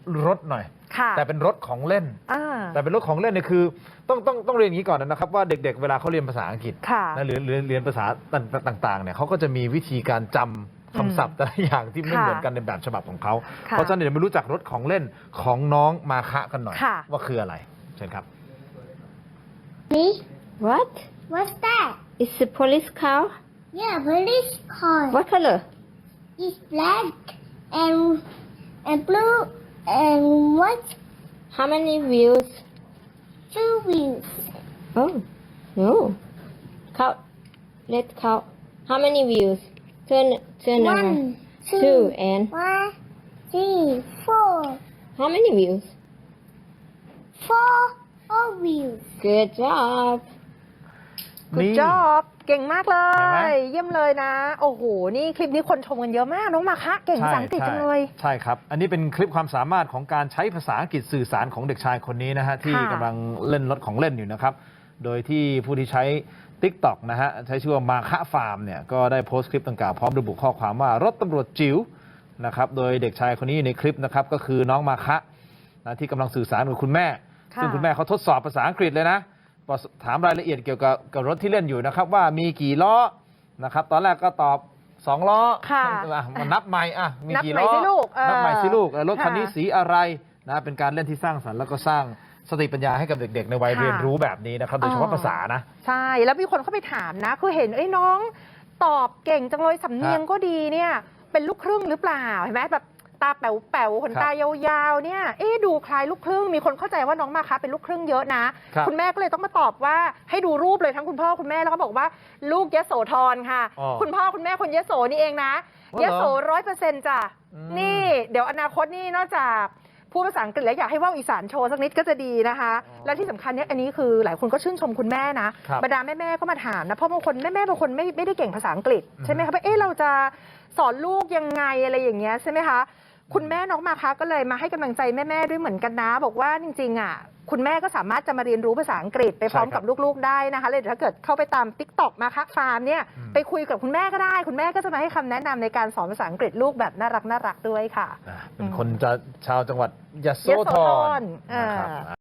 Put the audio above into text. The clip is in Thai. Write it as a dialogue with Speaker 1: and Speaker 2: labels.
Speaker 1: รถหน่อยแต่เป็นรถของเล่นแต่เป็นรถของเล่นเนี่ยคือต้องเรียนอย่างนี้ก่อนนะครับว่าเด็กๆเวลาเขาเรียนภาษาอังกฤษนะหรือเรียนภาษาต่างๆเนี่ยเขาก็จะมีวิธีการจำคำศัพท์แต่ละอย่างที่ไม่เหมือนกันในแบบฉบับของเขาเพราะฉะนั้นเดี๋ยวมารู้จักรถของเล่นของน้องมาคะกันหน่อยว่าคืออะไรเชิญครับ
Speaker 2: Me?
Speaker 3: What?
Speaker 2: What's that?
Speaker 3: It's a police car.
Speaker 2: Yeah, police car.
Speaker 3: What color?
Speaker 2: It's black and blue and white.
Speaker 3: How many wheels?
Speaker 2: 2 wheels.
Speaker 3: Oh, no. Count. Let's count. How many wheels? Turn around.
Speaker 2: 1, 2,
Speaker 3: 2 and
Speaker 2: 1, 3, 4.
Speaker 3: how many wheels?
Speaker 2: 4 wheels.
Speaker 3: Good job.
Speaker 4: Good job เก่งมากเล
Speaker 1: เห็นไหม
Speaker 4: ย เยี่ยมเลยนะ โอ้โห นี่คลิปนี้คนชมกันเยอะมาก น้องมาคะเก่งภาษาอังกฤษจังเลย
Speaker 1: ใช่ครับอันนี้เป็นคลิปความสามารถของการใช้ภาษาอังกฤษสื่อสารของเด็กชายคนนี้นะฮะที่กำลังเล่นรถของเล่นอยู่นะครับโดยที่ผู้ที่ใช้ TikTok นะฮะใช้ชื่อว่ามาคะฟาร์มเนี่ยก็ได้โพสต์คลิปดังกล่าวพร้อมระบุข้อความว่ารถตำรวจจิ๋วนะครับโดยเด็กชายคนนี้อยู่ในคลิปนะครับก็คือน้องมาคะนะที่กำลังสื่อสารกับคุณแม่ซึ่งคุณแม่เขาทดสอบภาษาอังกฤษเลยนะถามรายละเอียดเกี่ยวกับรถที่เล่นอยู่นะครับว่ามีกี่ล้อนะครับตอนแรกก็ตอบ2 ล้อมันนับใหม่มีกี่ล้อนับใหม่สิลูกรถคันนี้สีอะไรนะเป็นการเล่นที่สร้างสรรค์แล้วก็สร้างสติปัญญาให้กับเด็กๆในวัยเรียนรู้แบบนี้นะครับโดยเฉพาะภาษานะ
Speaker 4: ใช่แล้วมีคนเข้าไปถามนะคือเห็นน้องตอบเก่งจังเลยสำเนียงก็ดีเนี่ยเป็นลูกครึ่งหรือเปล่าเห็นไหมแบบตาแป๋วๆขนตายาวๆเนี่ยดูคล้ายลูกครึ่งมีคนเข้าใจว่าน้องมาคะเป็นลูกครึ่งเยอะนะคุณแม่ก็เลยต้องมาตอบว่าให้ดูรูปเลยทั้งคุณพ่อคุณแม่แล้วก็บอกว่าลูกยโสธรค่ะคุณพ่อคุณแม่คนยโสนี่เองนะยโส100%จ้ะนี่เดี๋ยวอนาคตนี่นอกจากพูดภาษาอังกฤษแล้วอยากให้ว่าวอีสานโชว์สักนิดก็จะดีนะคะและที่สำคัญเนี่ยอันนี้คือหลายคนก็ชื่นชมคุณแม่นะบรรดาแม่ๆก็มาถามนะเพราะบางคนแม่บางคนไม่ได้เก่งภาษาอังกฤษใช่ไหมคะว่าเราจะสอนลูกยังไงอะไรอย่างเงี้ยใช่ไหมคะคุณแม่น้องมาคะก็เลยมาให้กำลังใจแม่ๆด้วยเหมือนกันนะบอกว่าจริงๆคุณแม่ก็สามารถจะมาเรียนรู้ภาษาอังกฤษไปพร้อมกับลูกๆได้นะคะเลยถ้าเกิดเข้าไปตาม TikTok มาคะฟาร์มเนี่ยไปคุยกับคุณแม่ก็ได้คุณแม่ก็จะมาให้คำแนะนำในการสอนภาษาอังกฤษลูกแบบน่ารักด้วยค่ะ
Speaker 1: เป็นคนชาวจังหวัดยโสธรนะครับ